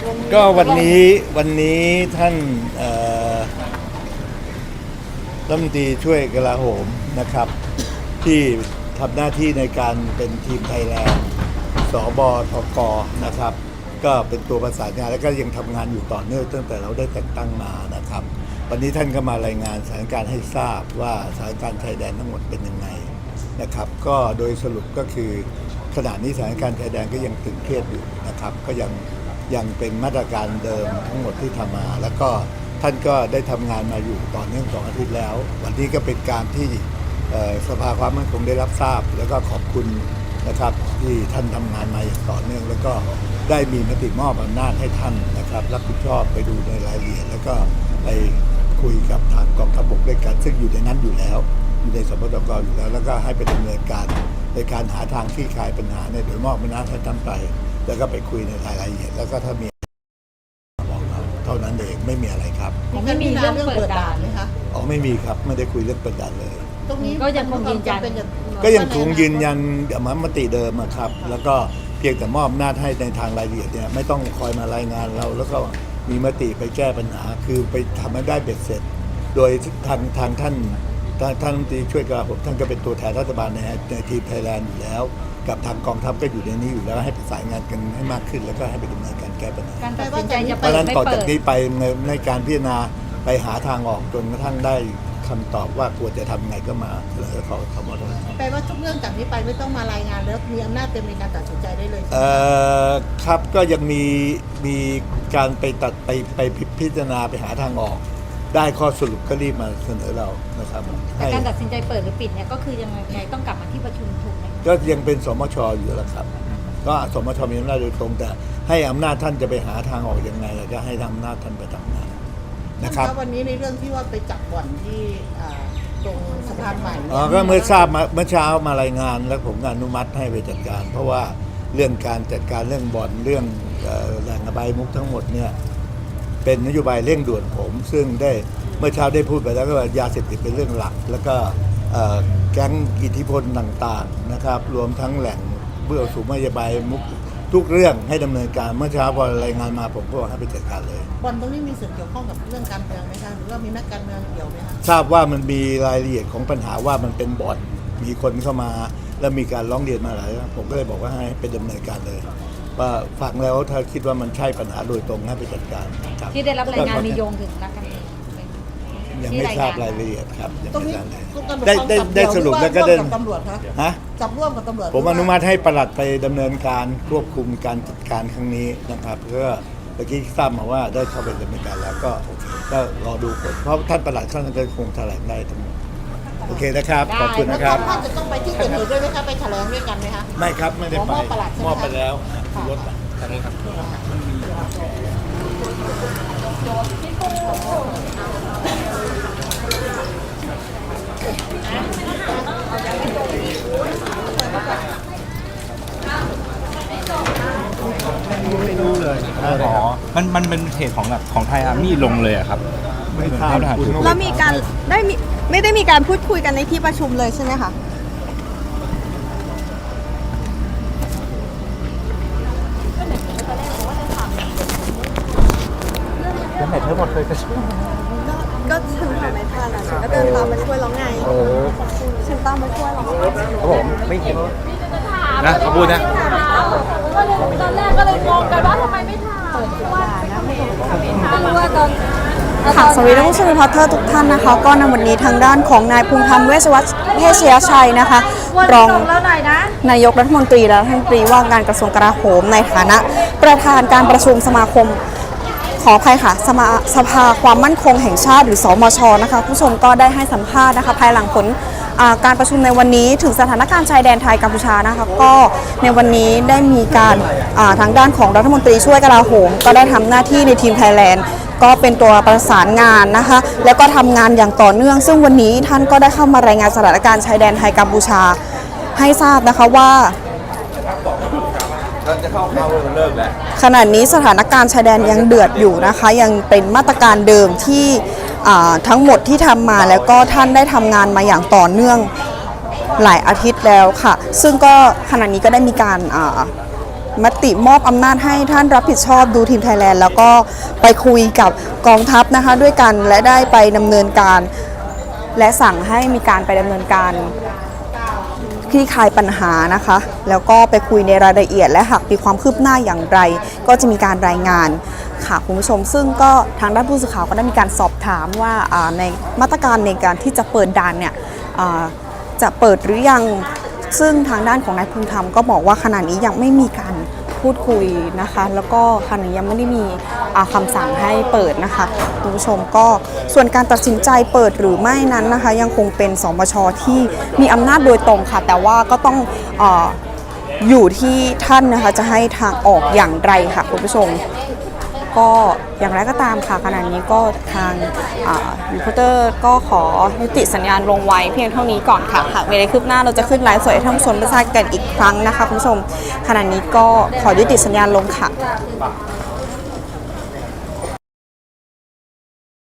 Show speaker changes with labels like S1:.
S1: ก็วันนี้ท่านรัฐมนตรีช่วยกลาโหมนะครับที่ทำหน้าที่ในการเป็นทีมไทยแลนด์สบทกนะครับก็เป็นตัวประสานงานแล้วก็ยังทำงานอยู่ต่อเนื่องตั้งแต่เราได้แต่งตั้งมานะครับวันนี้ท่านก็มารายงานสถานการณ์ให้ทราบว่าสถานการณ์ชายแดนทั้งหมดเป็นยังไงนะครับก็โดยสรุปก็คือขณะนี้สถานการณ์ชายแดนก็ยังตึงเครียดอยู่นะครับก็ยังเป็นมาตรการเดิมทั้งหมดที่ทำมาแล้วก็ท่านก็ได้ทำงานมาอยู่ต่อเนื่อง2 อาทิตย์แล้ววันนี้ก็เป็นการที่สภาความมั่นคงได้รับทราบแล้วก็ขอบคุณนะครับที่ท่านทำงานมาอย่างต่อเนื่องแล้วก็ได้มีมติมอบอำนาจให้ท่านนะครับรับผิดชอบไปดูในรายละเอียดแล้วก็ไปคุยกับทางกองทัพบกด้วยกันซึ่งอยู่ในนั้นอยู่แล้วอยู่ในสปทกอยู่แล้วก็ให้ไปดำเนินการในการหาทางคลี่คลายปัญหาเนี่ยโดยมอบอำนาจให้ท่านไปแล้วก็ไปคุยในรายละเอียดแล้วก็ถ้ามีบอกเราเท่านั้นเองไม่มีอะไรครับ
S2: ไม่มีเรื่องเปิดด่านไหมคะ
S1: อ๋อไม่มีครับไม่ได้คุยเรื่องเปิดด่านเลย
S2: ตรงนี้ก็ยังคงยืนยัน
S1: มติเดิมครับแล้วก็เพียงแต่มอบอำนาจให้ในทางรายละเอียดเนี่ยไม่ต้องคอยมารายงานเราแล้วก็มีมติไปแก้ปัญหาคือไปทำให้ได้เบ็ดเสร็จโดยทางท่านรัฐมนตรีช่วยกลาโหมท่านก็เป็นตัวแทนรัฐบาลในทีมไทยแลนด์อยู่แล้วกับทางกองทัพก็อยู่ในนี้อยู่แล้วให้ประสานงานกันให้มากขึ้นแล้วก็ให้ไปดำเนินการแก้ปัญหา
S2: การตัดสินใจจะ
S1: เปิดไม่เปิดต่อจากนี้ไปในการพิจารณาไปหาทางออกจนกระทั่งได้คำตอบว่าควรจะทำไงก็มาเลยเขาทำมาแล้ว
S2: แปลว่าทุกเรื่องจากนี้ไปไม่ต้องมารายงานแล้วมีอำนาจเต็มในการตัดสินใจได้เลย
S1: ครับก็ยังมีการไปพิจารณาไปหาทางออกได้ข้อสรุปก็รีบมาเสนอเรานะครับ
S3: แต่การตัดสินใจเปิดหรือปิดเนี่ยก็คือยังไงต้องกลับมาที่ประชุมถูกไหม
S1: ก็ยังเป็นสมชอยู่แล้วครับก็สมชมีอำนาจโดยตรงแต่ให้อำนาจท่านจะไปหาทางออกยังไงก็ให้อำนาจท่านไปทำงานนะครับ
S2: วันนี้ในเรื่องที่ว่าไปจับบ่อนที่ตรงสะพานใหม่
S1: ก็เมื่อทราบมาเมื่อเช้ามารายงานแล้วผมก็อนุมัติให้ไปจัดการเพราะว่าเรื่องการจัดการเรื่องบ่อนเรื่องแหล่งอบายมุกทั้งหมดเนี่ยเป็นนโยบายเร่งด่วนผมซึ่งได้เมื่อเช้าได้พูดไปแล้วก็ว่ายาเสพติดเป็นเรื่องหลักแล้วก็แก๊งอิทธิพลต่างๆนะครับรวมทั้งแหล่งเบื้องสูงนโยบายมุกทุกเรื่องให้ดำเนินการเมื่อเช้าพอรายงานมาผมก็บอกให้ไปจัดการเลย
S2: บ่อนตรงนี้มีส่วนเกี่ยวข้องกับเรื่องการเมืองไหมคะหรือว่ามีนักการเมืองเกี่ยวไหมคะ
S1: ทราบว่ามันมีรายละเอียดของปัญหาว่ามันเป็นบ่อนมีคนเข้ามาแล้วมีการร้องเรียนมาหลายผมก็เลยบอกว่าให้ไปดำเนินการเลยว่าฟังแล้วถ้าคิดว่ามันใช่ปัญหาโดยตรงให้ไปจัดการ
S3: ที่ได้รับรายงานมีโยงถึงนักการเมือง
S1: ยังไม่ทราบรายละเอียดครับ
S2: ตรงนี้
S1: ได้สรุปแล้วก็
S2: ได้ตำรวจคะจับร่วมกับตำรวจ
S1: ผมอนุมัติให้ปลัดไปดำเนินการควบคุมการจัดการครั้งนี้นะครับเพื่อเมื่อกี้ทราบมาว่าได้เข้าไปดำเนินการแล้วก็โอเคก็รอดูผลเพราะท่านปลัดท่านก็คงแถลงได้ทั้งหมดโอเคนะครับขอบคุณนะครับ
S2: ท่านจะต้องไปที่เกิดเหตุด้วยไหมคะไปแถลงด้วยกันไหมคะ
S1: ไม่ครับไม่ได้ไปมอบไปแล้วรถทางนี้ครับไม่รู้เลย
S4: อ๋อมันเป็นเพจของไทยอาร์มี่ลงเลยอะครับ
S1: ไม่ทราบ
S5: แล้วมีการไม่ได้มีการพูดคุยกันในที่ประชุมเลยใช่ไหมคะ
S4: แล้วไหนเธอหมดเลย
S5: ก็ฉันทำไม่ทันอ่ะฉันก็เดินตามมาช่วยแล้วไงฉันตามมาช่วยแล้ว
S4: ครับผมไม่เห็นนะเขาพูดนะ
S3: ตอนแรกก็เลยงงกันว่าทำไมไม่ทำว่าตอน
S5: ค่ะสวัสดีท่านผู้ชมรีพอร์เตอร์ทุกท่านนะคะก็ในวันนี้ทางด้านของนายภูมิธรรมเวชยชัยนะคะรองนายกรัฐมนตรีและรัฐมนตรีว่าการกระทรวงกลาโหมในฐานะประธานการประชุมสมาคมขออภัยค่ะสภาความมั่นคงแห่งชาติหรือสมชนะคะผู้ชมก็ได้ให้สัมภาษณ์นะคะภายหลังผลการประชุมในวันนี้ถึงสถานการณ์ชายแดนไทยกัมพูชานะคะก็ในวันนี้ได้มีการทางด้านของรัฐมนตรีช่วยกลาโหมก็ได้ทำหน้าที่ในทีมไทยแลนด์ก็เป็นตัวประสานงานนะคะแล้วก็ทำงานอย่างต่อเนื่องซึ่งวันนี้ท่านก็ได้เข้ามารายงานสถานการณ์ชายแดนไทยกัมพูชาให้ทราบนะคะว่าขณะนี้สถานการณ์ชายแดนยังเดือดอยู่นะคะยังเป็นมาตรการเดิมที่ทั้งหมดที่ทำมาแล้วก็ท่านได้ทำงานมาอย่างต่อเนื่องหลายอาทิตย์แล้วค่ะซึ่งก็ขณะนี้ก็ได้มีการมติมอบอำนาจให้ท่านรับผิดชอบดูทีมไทยแลนด์แล้วก็ไปคุยกับกองทัพนะคะด้วยกันและได้ไปดำเนินการและสั่งให้มีการไปดำเนินการคลี่คลายปัญหานะคะแล้วก็ไปคุยในรายละเอียดและหากมีความคืบหน้าอย่างไรก็จะมีการรายงานค่ะคุณผู้ชมซึ่งก็ทางด้านผู้สื่อข่าวก็ได้มีการสอบถามว่าในมาตรการในการที่จะเปิดด่านเนี่ยจะเปิดหรือยังซึ่งทางด้านของนายภูมิธรรมก็บอกว่าขณะนี้ยังไม่มีการพูดคุยนะคะแล้วก็ขณะนี้ยังไม่ได้มีคำสั่งให้เปิดนะคะคุณผู้ชมก็ส่วนการตัดสินใจเปิดหรือไม่นั้นนะคะยังคงเป็นสมชที่มีอำนาจโดยตรงค่ะแต่ว่าก็ต้องอยู่ที่ท่านนะคะจะให้ทางออกอย่างไรค่ะคุณผู้ชมก็อย่างไรก็ตามค่ะขณะนี้ก็ทางรีพอร์เตอร์ก็ขอยุติสัญญาณลงไว้เพียงเท่านี้ก่อนค่ะหากมีอะไรคืบหน้าเราจะขึ้นไลฟ์สดให้ท่านผู้ชมได้ทราบกันอีกครั้งนะคะคุณผู้ชมขณะนี้ก็ขอยุติสัญญาณลงค่ะ